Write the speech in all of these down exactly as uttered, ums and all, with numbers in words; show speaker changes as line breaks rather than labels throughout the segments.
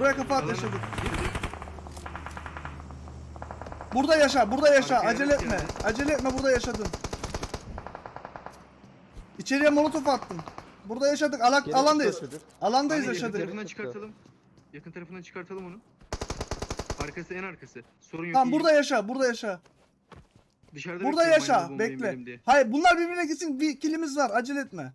Buraya kafa at yaşadık. Burada yaşa, burada yaşa.
Arkaya
Acele
evet
etme.
geldi.
Acele etme, burada yaşadın. İçeriye molotof attım. Burada yaşadık. Ala
Geri
alandayız.
çıkıyor.
Alandayız
Yakın
yaşadık.
tarafından çıkartalım. Yakın tarafından çıkartalım onu. Arkası en arkası. Sorun yok.
Tamam
iyi.
burada yaşa, burada yaşa.
Dışarıda
Burada
bekliyorum
yaşa.
aynı bombayı
Bekle.
benim diye.
Hayır, bunlar birbirine gitsin. Bir kilimiz var. Acele etme.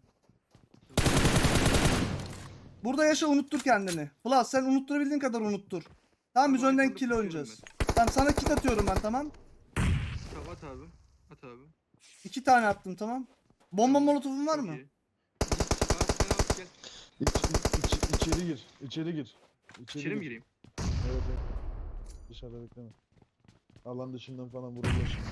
Burada yaşa, unuttur kendini. Flas sen unutturabildiğin kadar unuttur. Tamam biz
Tamam,
önden
arkamda
kill
tutuyorum
oynayacağız. Tamam sana kit atıyorum ben, tamam.
Tamam at abi. At abi.
İki tane attım, tamam. Bomba molotofun var
Çok
mı?
iyi. Al, sen al, gel.
İç, iç, içeri gir. İçeri gir.
İçeri mi gireyim?
Evet evet. Dışarıda bekleme. Alan dışından falan vurulur şimdi.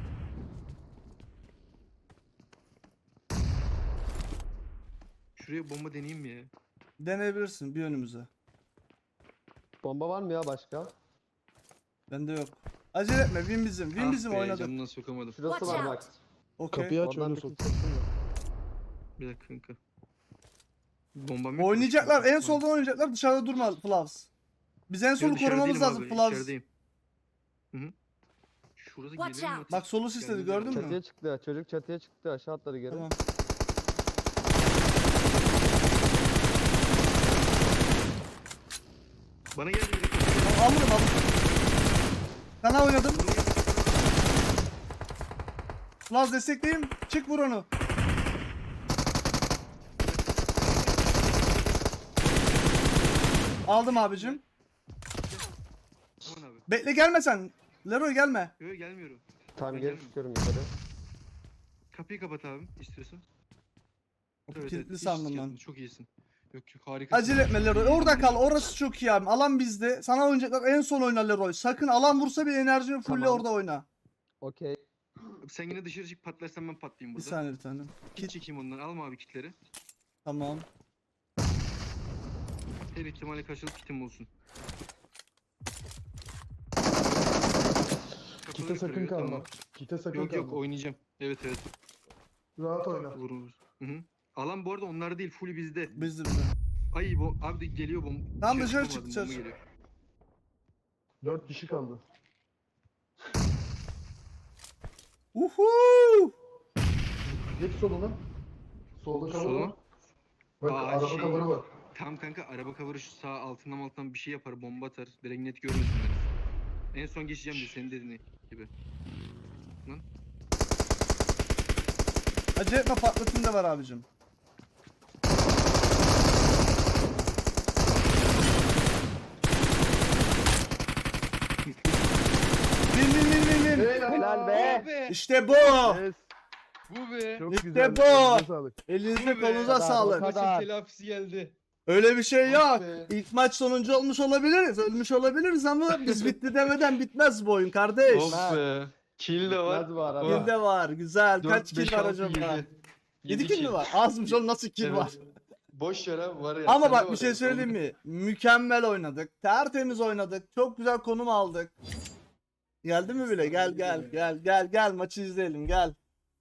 Şuraya bomba deneyeyim mi ya?
Deneyebilirsin bir önümüze.
Bomba var mı ya başka?
Bende yok. Acele etme, win bizim. Win
Ah
bizim
be,
oynadık.
Camdan sokamadım.
Şurası
Watch
var
out.
bak.
Okey.
Kapıyı aç
Oradan
öyle
bir
sok.
kill çektim mi?
Bir dakika kanka. Bombam yok.
Oynayacaklar, en
Tamam.
soldan oynayacaklar. Dışarıda durma Flavs. Biz en
Yo,
solu
dışarı
korumamız
değilim
lazım
abi,
Flavs.
içerideyim. Hı hı. Şurada
Watch
geliyor mu?
out.
Bak solu sisledi,
Kendine
gördün
bak.
mü?
Çatıya çıktı. Çocuk çatıya çıktı. Aşağı atladı geri.
Tamam.
Bana geldi biri.
Tamam, alırım alırım. Sana oynadım. Flavs destekleyeyim. Çık vur onu. Aldım abicim.
Aman abi.
Bekle, gelme sen. Leroy gelme.
Yok gelmiyorum.
Tamam
Ben
geri
gelmiyorum.
çıkıyorum yukarı.
Kapıyı kapat abi istiyorsan.
Kilitli
hiç
sandım
sıkıntı
ben.
yok, çok iyisin. Yok yok harika.
Acele etme Leroy. Orada kal. Orası çok iyi abi. Alan bizde. Sana oynayacaklar. En son oyna Leroy. Sakın alan vursa bir enerjini fulle
Tamam.
orada oyna.
Okey.
Sen yine dışarı çık, patlarsan ben patlayayım
Bir
burada.
saniye bir tane.
Kit çekeyim ondan, alma abi kitleri.
Tamam.
Her ihtimale karşılık kitim olsun.
Kite
Kapıları
sakın
kırıyor,
kalma.
tamam.
Kite sakın
Yok
kalma.
yok oynayacağım. Evet evet.
Rahat oyna.
Vur vur. Hı hı. Alan bu arada onlar değil, full bizde.
Bizde bizde.
Ay bu abi de geliyor bom.
Tamam, dışarı
çıkamadım,
çık, dışarı
bomba
çık.
geliyor.
Dört kişi kaldı.
Uhu!
Geç soluna. Solda cover
Sola.
var. Bak
Aa,
araba
şey-
cover'ı var.
Tamam kanka, araba cover'ı şu sağ altından altından bir şey yapar, bomba atar. Direkt net görmesin beni. En son geçeceğim de senin dediğin gibi.
Acele etme, patlatın da var abicim. Win win win win win.
Helal be.
İşte bu.
Yes.
Bu be.
Çok
İşte
güzel.
bu.
Elinize sağlık.
Elinize
Bu be.
kolunuza
Kadar,
sağlık.
o kadar.
Maçın telafisi geldi.
Öyle bir şey
Ah
yok.
be.
İlk maç sonuncu olmuş olabiliriz. Ölmüş olabiliriz ama biz bitti demeden bitmez bu oyun kardeş.
Of be. Kill de var.
Bitmez bu arada.
Kill de var. Güzel. Kaç
dört, beş,
kill var
altı,
acaba?
yedi.
yedi kill mi var? Azmış oğlum, nasıl kill
Evet.
var?
Boş yer abi, var ya.
Ama
sende
bak
var
bir şey
ya.
söyleyeyim mi? Mükemmel oynadık. Tertemiz oynadık. Çok güzel konum aldık. Geldi mi bile? Gel gel gel gel gel maçı izleyelim gel.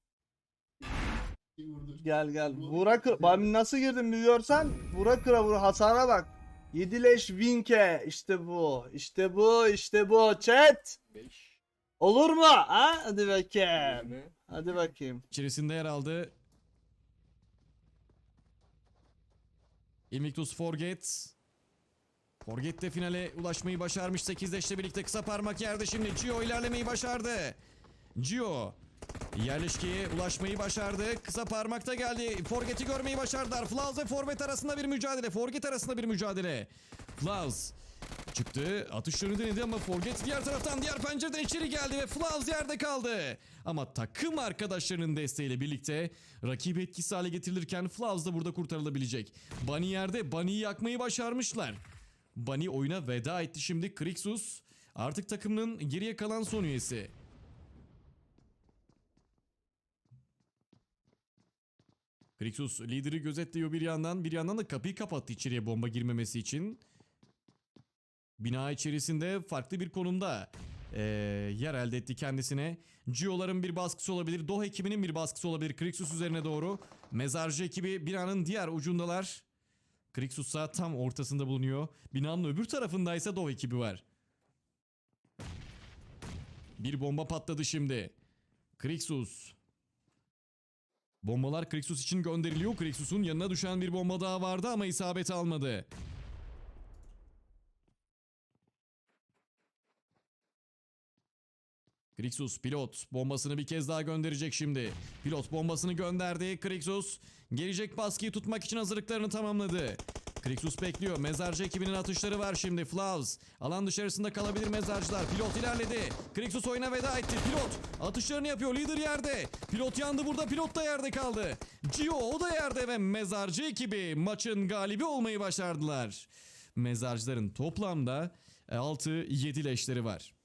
Gel gel. Vura kır. Ben nasıl girdim bir görsen. Vura kıra vura, hasara bak. yedi leş Winke. İşte bu. İşte bu. İşte bu. Chat.
beş.
Olur mu? Ha? Hadi bakayım.
Ne?
Hadi bakayım.
İçerisinde yer aldı. Invictus Forget. Forget de finale ulaşmayı başarmış. sekiz leşle birlikte kısa parmak yerde şimdi. Gio ilerlemeyi başardı. Gio yerleşkeye ulaşmayı başardı. Kısa parmakta geldi. Forget'i görmeyi başardılar. Flaz ve Forvet arasında bir mücadele. Forget arasında bir mücadele. Flaz çıktı. Atışlarını denedi ama Forget diğer taraftan, diğer pencereden içeri geldi ve Flaz yerde kaldı. Ama takım arkadaşlarının desteğiyle birlikte rakibi etkisiz hale getirilirken Flaz da burada kurtarılabilecek. Bunny yerde. Bunny'yi yakmayı başarmışlar. Bunny oyuna veda etti şimdi. Krixus artık takımının geriye kalan son üyesi. Krixus lideri gözetliyor bir yandan. Bir yandan da kapıyı kapattı içeriye bomba girmemesi için. Bina içerisinde farklı bir konumda ee, yer elde etti kendisine. Gio'ların bir baskısı olabilir. Doh ekibinin bir baskısı olabilir. Krixus üzerine doğru. Mezarcı ekibi binanın diğer ucundalar. Krixus'a tam ortasında bulunuyor. Binanın öbür tarafındaysa Dov ekibi var. Bir bomba patladı şimdi. Krixus. Bombalar Krixus için gönderiliyor. Krixus'un yanına düşen bir bomba daha vardı ama isabet almadı. Krixus pilot bombasını bir kez daha gönderecek şimdi. Pilot bombasını gönderdi. Krixus gelecek baskıyı tutmak için hazırlıklarını tamamladı. Krixus bekliyor. Mezarcı ekibinin atışları var şimdi. Flavs alan dışarısında kalabilir mezarcılar. Pilot ilerledi. Krixus oyuna veda etti. Pilot atışlarını yapıyor. Lider yerde. Pilot yandı burada. Pilot da yerde kaldı. Gio o da yerde ve mezarcı ekibi maçın galibi olmayı başardılar. Mezarcıların toplamda altı yedi leşleri var.